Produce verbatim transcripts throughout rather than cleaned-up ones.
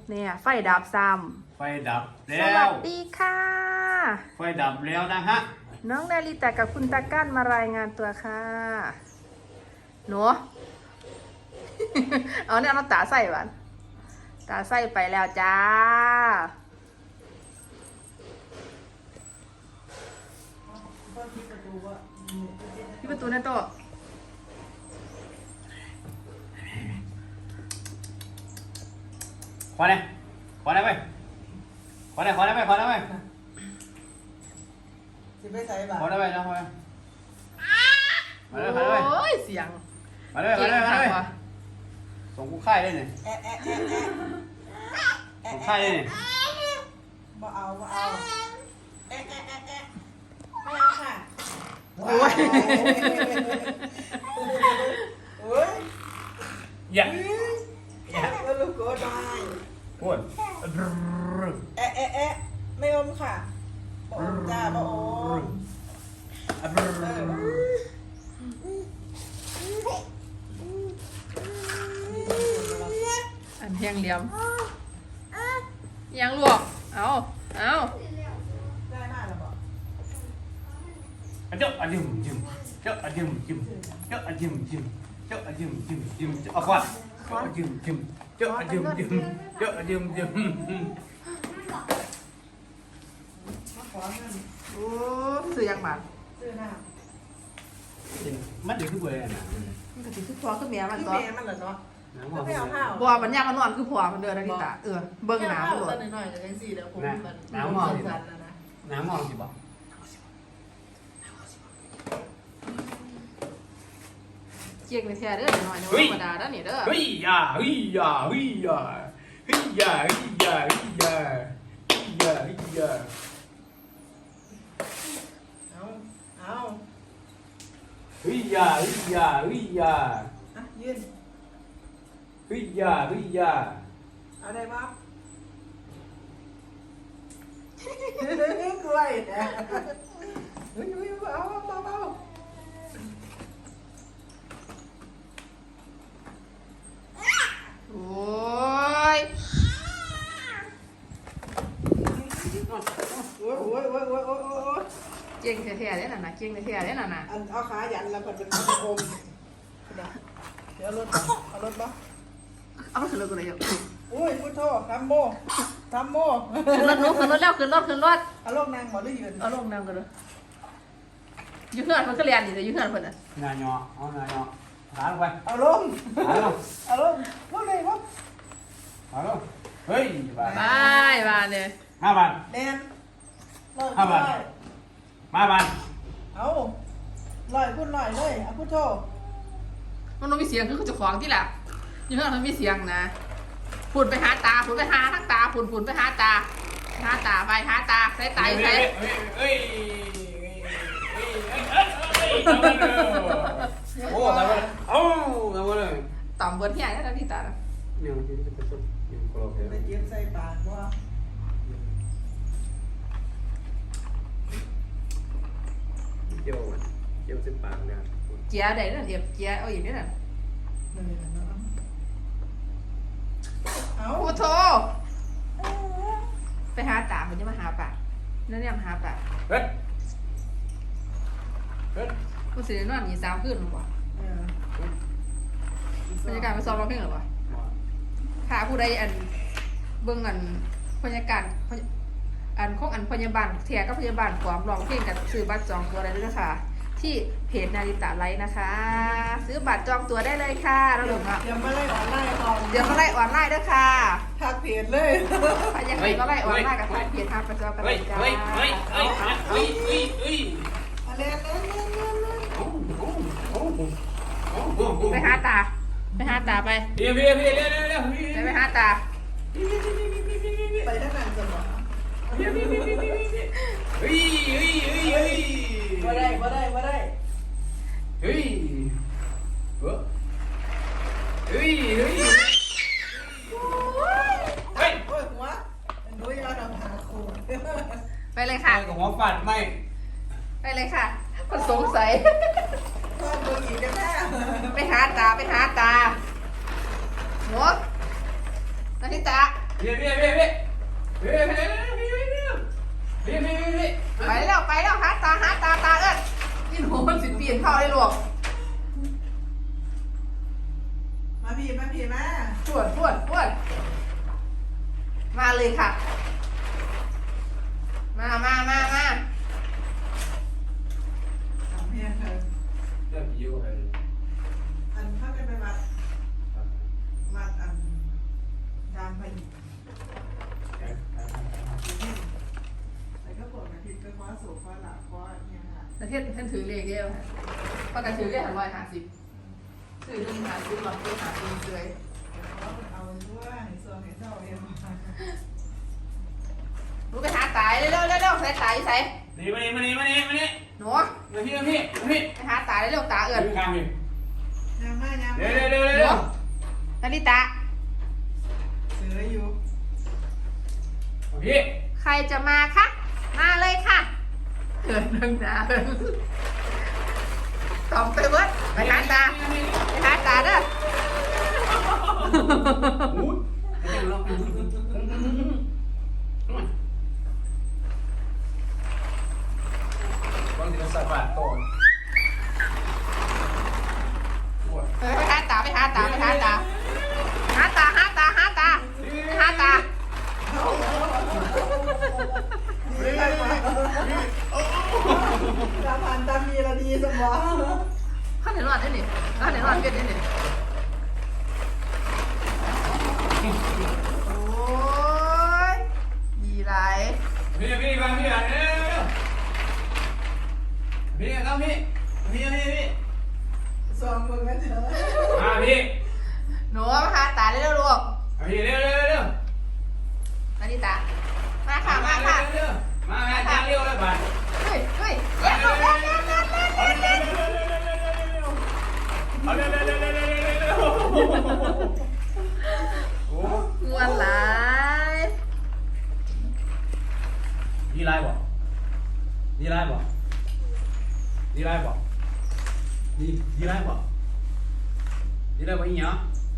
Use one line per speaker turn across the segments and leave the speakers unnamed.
เนี่ยไฟดับซ้
ไฟดับ
ำ
แล้
สวั
ว
สดีค่ะ
ไฟดับแล้วนะฮะ
น้องนาริตะกับคุณตาก้านมารายงานตัวค่ะหนู เอาเนี่ยเอาตาใส่บ้านตาใส่ไปแล้วจ้าพี่ประตูนะโตะ
ขอได้ขอได้ไหมขอได้ขอได้ไหมขอได้ไหม
สิไปใส่บา
ขอได้ไหมนะขอได้ขอได้ขอได้
โอ้ยเสียง
ขอได้ขอได้ขอได้ส่งกูค่ายได้เนี่ย
แอะแอะแอะแอะ
ส่งค่ายได้เนี่ย
บ่เอาบ่เอาแอะแอะแอะแอะไม่เอาค่ะ
โอ้ย
โอ้ย
อย่า
แล้วลูกก็ได้
พูด
แอะแอะแอะไม่อมค่ะบ่อมจ้าบ่อม
อันเพียงเหลี่ยมยังลวกเอาเอา
ได้มากแล้วบ่
เจ้าอะจิมจิมเจ้าอะจิมจิมเจ้าอะจิมจิมเจ้าอะจิมจิมจิมเอาก่อนเจ้าอะจิมจิมเจ้าอะจิมจิมเจ้าอะจิมจิม
มาขอเงิน
โอ้ซื้อยังบาท
ซื้อน้
มันเดี๋ยวคือเบอร์อะไรนะ
มันก็สิคือพอคือเมีย
ำ
มัน
คือ
ก็
แม่มันเหรอเนาะก็ไม่เอาผ้า
บัวมันยากมันนอนคือผัวมันเดินนาฬิตาเออเบิ่งหนามันโหลด
หน่อยๆแต่ยังสี่เดี๋ยวผมมัน
น้ำมองสิ
สั่นนะนะ
น้ำมองสิบอก
เจียงในแท้เด้อหน่อยๆธรรมดาเด้อนี่เด้อ
เฮ้ยยาเฮ้ยยาเฮ้ยยาเฮ้ยยาเฮ้ยยาเฮ้ยยาเฮ้ยยาเฮ้ยยา
เอาเอา
เฮ้ยยาเฮ้ยยาเฮ้ยยา
อ่ะยืน
เฮ้ยยาเฮ้ยยา
เอาได้ปะกล้วยนะเฮ้ยเอาเอาเอา
โอ้ย
โอ้ยโอ้ยโอ้ยโอ้ยโอ้ยโอ้ย
เจียงแท้ๆเด้อน่ะนะเจียงแท้ๆเด้อน่ะนะ
อันเอาขายันแล้วมันเป็นอมเดี๋ยวเดี๋ยวรถเอารถปะ
เอาขึ้นรถกูเลยเดี๋ยว
อุ้ยพุทโธทำโมทำโม
ขึ้นรถหนูขึ้นรถแล้วขึ้นรถขึ้นรถ
เอาลงนางหมอหรือยืน
เอาลงน้ำกันเลยอยู่เฮือนมันก็เรียนนี่แต่อยู่เฮือนเพิ่นน่ะ
นายอเอานายอหาลงไป
เอาลง
หาลง
เอาลงลงเลยปะ
หาลงเฮ้ยบาท
บายบายเนี่ย
ห้าบาท
แนนลอย
ห้าบาท มาบาท
เอาลอยพุ่นลอยเลยเอาพุทโธ
มันต้องมีเสียงคือเขาจะของที่แหละอยู่เฮือนมันมีเสียงนะฝุ่นไปหาตาฝุ่นไปหาทั้งตาฝุ่นฝุ่นไปหาตาหาตาไปหาตาใส่ตาใส่
เฮ้ยโอ้ทำอะไรเอ้าทำอะไร
ต่ำเบิดใหญ่แล้วนะพี่ตา
เนี่ยมันจะเป็นสุดยังกรอบเลย
ไปเย็บใส่ปากว่า
เจียวเจียวเส้นปากเนี่ย
เจียได้นั่นเดียบเจียเอาอย่างนี้น่ะ
เอา
โอ้โถไปหาตามันจะมาหาปากนั่นเนี่ยมาหาปาก
เฮ้ยเฮ้ย
กูสิได้นอนอีสามคืนหรือเปล่าบรรยากาศมาซ้อมร้องเพลงหรือเปล่าค่ะผู้ใดอันเบิ่งอันบรรยากาศอันของอันพยาบาลเทียกับพยาบาลความร้องเพลงกันซื้อบัตรจองตัวได้ด้วยนะคะที่เพจนาริตะไลฟ์นะคะ ซื้อบัตรจองตัวได้เลยค่ะเราหลงอ่ะ
เดี๋ยวมาไล่ออนไลน์ก่อน
เดี๋ยวมาไล่ออนไลน์ด้วยค่ะ
ทักเพจเลย
ใครอยากให้มาไล่ออนไลน์กับทางเพจทางประจอกันเล
เฮ้ย
ยจ้า
เฮ้ยเฮ้ยเฮ้ยเฮ้ยเฮ้ยเฮ้ย
เล่นเล่นเล่นเล่นเล่น
โอ้โหโอ้โหโอ้โห
ไปหาตา ไปหาตาไป
เดี๋ยวเดี๋ยวเดี๋ยวเดี๋ยวเดี๋ยว
ไปไปหาตา
ไปทั้งนั้นจะบอก
เฮ้ยเฮ้ยเฮ้ยเฮ้ย
มาได้มาได้มาได้
เฮ้ยเฮ้ยเฮ้ยเฮ้ยเฮ้ย
โอ้ยหัวดูยาดำหาคู
ไปเลยค่ะ
กับหัวฟัดไม่
ไปเลยค่ะมันสงสัย
ก็ดูอีกกันแน่
ไปหาตาไปหาตาหนูนาทิตา
ยพี่พี่พี่พี่พี่พี่พี่พี่พี่พี่
ไปแล้วไปแล้วหาตาหาตาตาเอิ้นนี่หนูมันสิเปลี่ยนเข้าได้หรอก
มาพี่มาพี่มา
ปวดปวดปวดมาเลยค่ะ มามามามา
ทำเพียงเธอ
เริ่มยิ้วเลย
อันเข้ากันไปวัดวัดอันดามไปแล้วก็ปวดมาทิตก็คว้าสูบคว้าหลับคว้าเนี่ยค่ะ
ประเทศท่านถือเลขเดียวค่ะประกันถือเลขหันร้อยห้าสิบถือหนึ่งห้าสิบหลอดตัวหาสิบเลย
เอาด้วยส่วนให้เจ้าเอง
รู้ไปหาตายเร็วเร็วเร็วใส่ตายใส่
นี่มานี่มานี่มานี่มานี่
หนู
มาพี่มาพี่มาพี่
ไปหาตายเร็วตาเอิญ
ยืนข้างพี่
ยามมายาม
เร็
มาว
เร็วเร็ว
หนู
เร็ว
นาริตะ
เสืออยู่
พี่
ใครจะมาคะมาเลยค่ะเกิดนึงนะตอมไปเบิดไปหาตาไปหาตาเด้อ
หูลองบางทีก็สะบัดตัว
ไปหาตาไปหาตาไปหาตาหาตาหาตาหาตาไปหาตา
ตาพันตามีละดีสมอง
ข้าเห็นว่าได้หนิข้าเห็นว่าเป็นได้หนิโอ้ยดีไร
พี่พี่มาพี่อ่ะเร็วพี่เข้าพี่พี่พี่พี่
สองมือกันเถอะ
มาพี่
หนูมาหาตาเร็วๆลูก
พี่เร็วเร็วเร็ว
นาริตามาค่ะมาค่ะ
มาแม่จ้าเร็วเลยบ้าน
เฮ้ยเฮ้ยเร็วเร็วเร็วเร็วเร็ว
เอาเร็วเร็วเร็วเร็วเร็วเร็วเร็วโอ้
มวนหลาย
ดีไรบ่ดีไรบ่ดีไรบ่ดีดีไรบ่ดีไรบ่อีเนาะ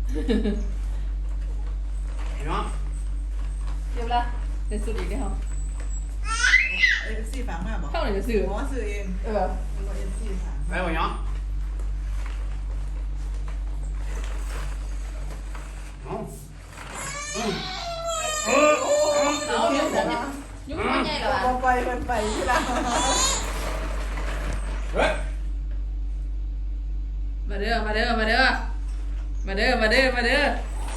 เนาะ
เดี๋ยวละเดี๋ยวสุดอีกได้เหรอ
เอฟซีฝากมาบอก
เข้าไหนจะสื่อ
หมอสื่อเอง
เออ
ตัวเอฟซีฝาก
ไปบ่เนาะเอาอืมเออ
เอาเดี๋ยวเดี๋ยวยุ่งไม่ใหญ่หรอ
พอไปมันไปที่ละ
เฮ้ย
มาเด้อมาเด้อมาเด้อมาเด้อมาเด้อมาเด้อ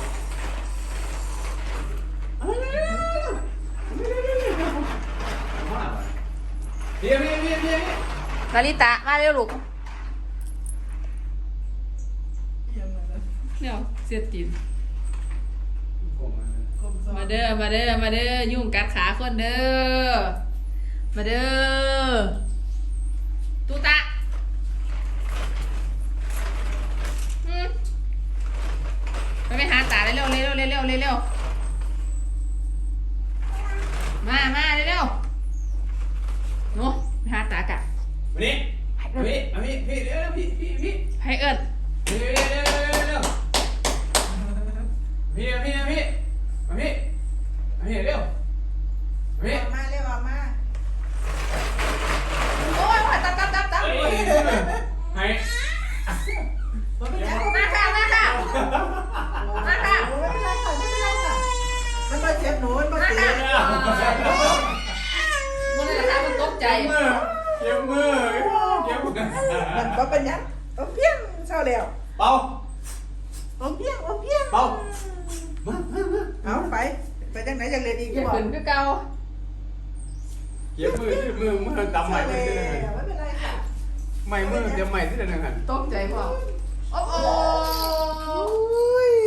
พี่พี่พี่พี่
นาริตะมาเร็วลูก
ยังไงนะ
เนี่ยเสียตีน
กลมซอ
มาเด้อมาเด้อมาเด้อยุ่งกัดขาคนเด้อมาเด้อตูตะอืมไปไปหาตาเร็วเร็วเร็วเร็วเร็วเร็วมามาเร็วเร็วหนูไปหาตากะ
วันนี้พี่พี่พี่เร็วพี่พี่พี่
ให้เอิญ
พี่เร็วเร็วเร็วพี่พี่พี่พี่พี่เร็วพี่
ออกมาเรียกออกมา
โอ้ยว่าตับตับตับตับ
ให้
มันเป็นยังไง
มาค่ะมาค่ะมาค่ะ
ไม่เป็นไรค่ะไม่เป็นไรค่ะมันมาเจ็บหนูมันมา
มา
ตี
ค่ะมันเลยนะคะมันตกใจ
มือเจ็บมือเจ็บมือ
มันก็เป็นยังโอ้เพียงเศร้าแล้ว
เบา
โอ้เพียงโอ้เพียง
เบา
เอาไปไปจังไหนจังเรียนอีก
อย่า
บอก
ขืนคือเก่า
เจ็บมือมือมือตำใหม่ไม่ได้
ไม่เป็นไรค่ะ
ใหม่มือเจ็บใหม่ที่ไหนกัน
ตกใจพ่อโอ้โห
อุ้ย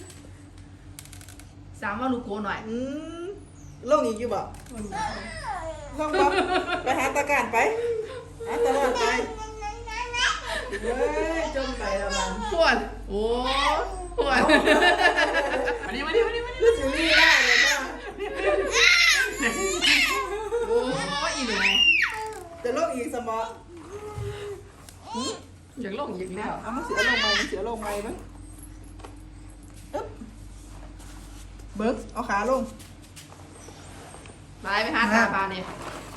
สามว่าลูกโกหน่อย
อืมโลกอีกอยู่บ่ลองบ่ไปหาตาการไปหาตลอดไปเฮ้ยจมไปแล้วมัน
ปวดโอ้ปวดมาดิมาดิมาดิมาดิ
คือสิรีได้เลยป่ะ
โอ้อีหนู
จะโลกอีกสมอ
อยากลงอีกแล้ว
เอามาเสียลงไหมเสียลงไหมมั้งอึ๊บเบฝึกเอาขาลง
ไปไปหาตาปลาเนี่ย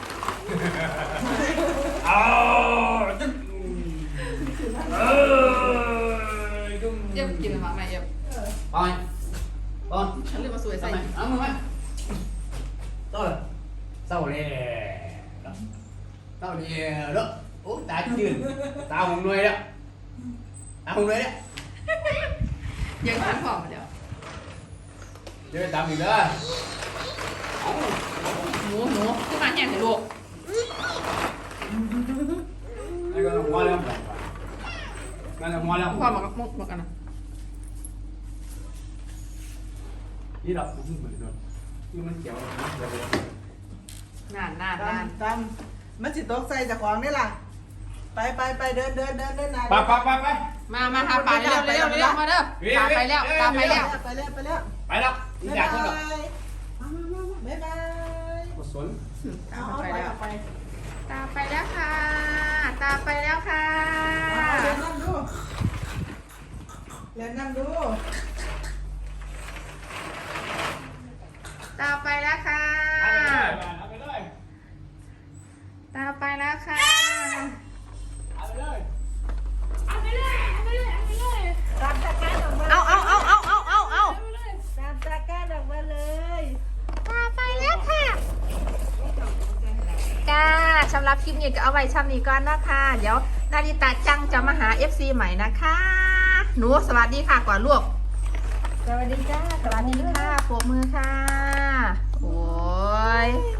เอาจุ๊บเออจุ๊บ
เย็บกินมาไหมเย็บ
ไปบอล
ฉันเรียกมาสวยใส่
ทำไมเอามือไหมต่อเลยเศร้าเลยเศร้าเลยแล้วโอ้ตาจืดตาหงหน่วยแล้วตาหงหน่วยแล้ว
ยังทันผอมมาเดี๋ยว
เดี๋ยวตามอีกเด้อ
หนูหนูขึ้นมาแย่งสิลูก
นี่ก็หัวแล้วนั่นหัวแล้ว
พ่อมากับมุกมากันนะ
นี่เราพูดเหมือนกันนี่มันเกี่ยวกับ
นานนานนาน
ตามมันสิตกใส่จากของนี่ล่ะไปไปไปเดินเดินเดินเดินนาย
ไปไปไปไป
มามาหาปลาเร็วเร็วเร็วมาเด้อตามไปแล้วตามไปแล้ว
ไปแล้วไปแล้ว
ไปแล้วนี่อยากขึ้นหรอ
บ๊ายบาย
กดสน
ตาม
เอา
ไป
ไป
แล้ว
เอาไป
ตามไปแล้วค่ะ ตามไปแล้วค่ะ
เอาเรียนนั่งดูเรียนนั่งดู
ตามไปแล้วค่ะ
เอาไปเลย
ตามไปแล้วค่ะ
เอาไปเลย
ตามตะการออกมา
เอาเอาเอาเอาเอาเอาเอา
ตามตะการออกมาเลย
ตามไปแล้วค่ะจ้าสำหรับคลิปนี้ก็เอาไว้ช่ำนี้ก่อนนะคะ เดี๋ยวนาริตาจังจะมาหา เอฟ ซี ใหม่นะคะ หนูสวัสดีค่ะก่อนลูก
สวัสดีจ้า
สวัสดีค่ะปรบมือค่ะ โอ้ย